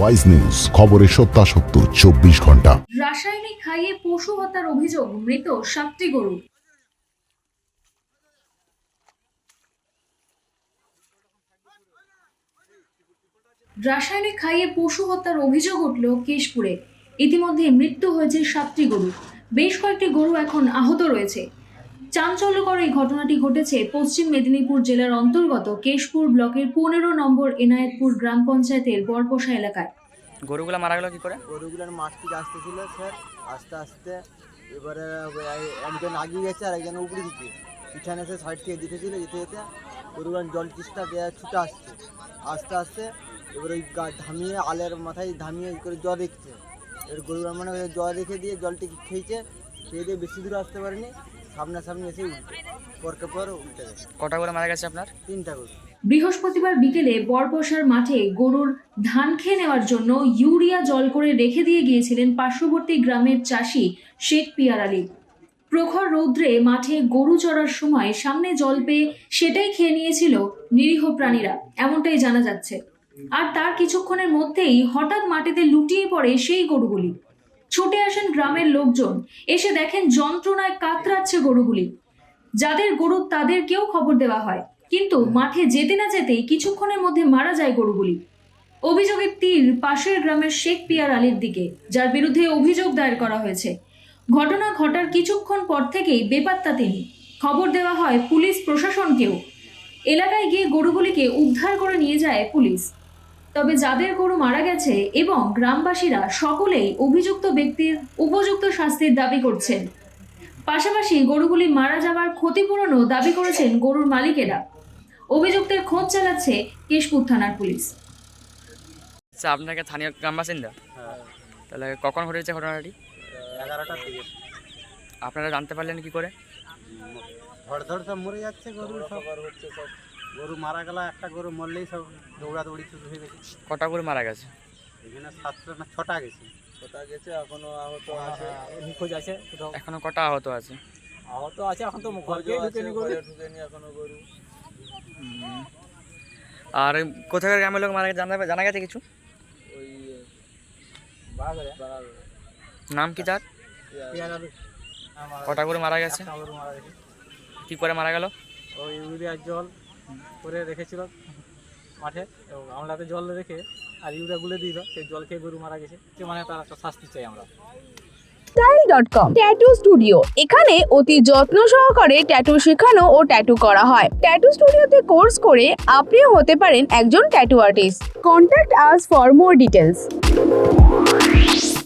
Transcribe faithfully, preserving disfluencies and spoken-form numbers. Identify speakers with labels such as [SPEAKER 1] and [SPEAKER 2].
[SPEAKER 1] Wise news, খবরের সত্যাসত্য চব্বিশ ঘন্টা।
[SPEAKER 2] রাসায়নিক খাইয়ে পশু হত্যার অভিযোগ, মৃত সাতটি গরু। রাসায়নিক খাইয়ে পশু হত্যার অভিযোগ উঠল কেশপুরে। ইতিমধ্যে মৃত্যু হয়েছে সাতটি গরু, বেশ কয়েকটি গরু এখন আহত রয়েছে। চাঞ্চল্যকর এই ঘটনাটি ঘটেছে পশ্চিম মেদিনীপুর জেলার অন্তর্গত কেশপুর ব্লকের পনেরো নম্বর এনায়েতপুর গ্রাম পঞ্চায়েতের বরপোষা এলাকায়।
[SPEAKER 3] গরুগুলো মারা গেল কি করে?
[SPEAKER 4] গরুগুলোর মাঠ থেকে আসতেছিল স্যার, আস্তে আস্তে এবারে একজন আগিয়ে গেছে আর একজন উপরে দিকে পিছনে এসে সাইড থেকে দিতেছিল, যেতে যেতে গরুগুলো জল তিস্তা ছুটে আসছে আস্তে আস্তে। এবার ওই ধামিয়ে আলের মাথায় ধামিয়ে করে জল রেখেছে। এবার গরুগুলো মানে জল রেখে দিয়ে জলটি খেয়েছে, খেয়ে দিয়ে বেশি দূরে আসতে পারেনি, সামনাসামনি এসে উল্টে পরকে পর উল্টে গেছে।
[SPEAKER 3] কটা করে মারা গেছে আপনার?
[SPEAKER 4] তিনটা গরু।
[SPEAKER 2] বৃহস্পতিবার বিকেলে বরপোষার মাঠে গরুর ধান খেয়ে নেওয়ার জন্য ইউরিয়া জল করে রেখে দিয়ে গিয়েছিলেন পার্শ্ববর্তী গ্রামের চাষি শেখ পিয়ার আলী। প্রখর রৌদ্রে মাঠে গরু চড়ার সময় সামনে জল পেয়ে সেটাই খেয়ে নিয়েছিল নিরীহ প্রাণীরা, এমনটাই জানা যাচ্ছে। আর তার কিছুক্ষণের মধ্যেই হঠাৎ মাটিতে লুটিয়ে পড়ে সেই গরুগুলি। ছুটে আসেন গ্রামের লোকজন, এসে দেখেন যন্ত্রণায় কাতরাচ্ছে গরুগুলি। যাদের গরু তাদেরকেও খবর দেওয়া হয়, কিন্তু মাঠে যেতে না যেতেই কিছুক্ষণের মধ্যে মারা যায় গরুগুলি। অভিযোগের তীর পাশের গ্রামের শেখ পিয়ার আলীর দিকে, যার বিরুদ্ধে অভিযোগ দায়ের করা হয়েছে। ঘটনা ঘটার কিছুক্ষণ পর থেকেই বেপাত্তা তিনি। খবর দেওয়া হয় পুলিশ প্রশাসনকেও। এলাকায় গিয়ে গরুগুলিকে উদ্ধার করে নিয়ে যায় পুলিশ। তবে যাদের গরু মারা গেছে এবং গ্রামবাসীরা সকলেই অভিযুক্ত ব্যক্তির উপযুক্ত শাস্তির দাবি করছেন। পাশাপাশি গরুগুলি মারা যাওয়ার ক্ষতিপূরণও দাবি করেছেন গরুর মালিকেরা। অভিযুক্তের খোঁজ চালাচ্ছে কেশপুর থানার পুলিশ।
[SPEAKER 3] আচ্ছা, আপনাকে স্থানীয় গ্রাম বাসিন্দা?
[SPEAKER 4] হ্যাঁ,
[SPEAKER 3] তাহলে কখন ঘটেছে ঘটনাটি?
[SPEAKER 4] এগারোটার দিকে।
[SPEAKER 3] আপনারা জানতে পারলেন কি করে?
[SPEAKER 4] ধর ধর সব মরে যাচ্ছে গরু, সব হচ্ছে সব গরু মারা গেল। একটা গরু মরলেই সব দৌড়াদৌড়ি শুরু হয়ে গেছে।
[SPEAKER 3] কটা গরু মারা গেছে?
[SPEAKER 4] এখানে সাতটা না ছটা গেছে। ছটা গেছে, এখনো আহত আছে, নিখোঁজ আছে।
[SPEAKER 3] এখনো কটা আহত আছে?
[SPEAKER 4] আহত আছে, এখন তো ঘরে ঢুকেনি গরু, ঢুকেনি এখনো গরু।
[SPEAKER 3] আর কোথাকার গ্রামের লোক মারা গেছে জানা জানা গেছে কিছু?
[SPEAKER 4] ওই বাগারে
[SPEAKER 3] নাম কি তার? কটা গরু মারা গেছে?
[SPEAKER 4] গরু মারা গেছে।
[SPEAKER 3] কি করে মারা গেল?
[SPEAKER 4] ওই ইউরিয়ার জল করে রেখেছিল মাঠে, এবং আমলাতে জল রেখে আর ইউরিয়া গুলে দিল, সেই জল খেয়ে গরু মারা গেছে। মানে তার একটা শাস্তি চাই আমরা।
[SPEAKER 5] Style dot com tattoo studio, এখানে অতি যত্ন সহকারে ট্যাটু শেখানো ও ট্যাটু করা হয়। ট্যাটু স্টুডিওতে কোর্স করে আপনিও হতে পারেন একজন tattoo artist. Contact us for more details.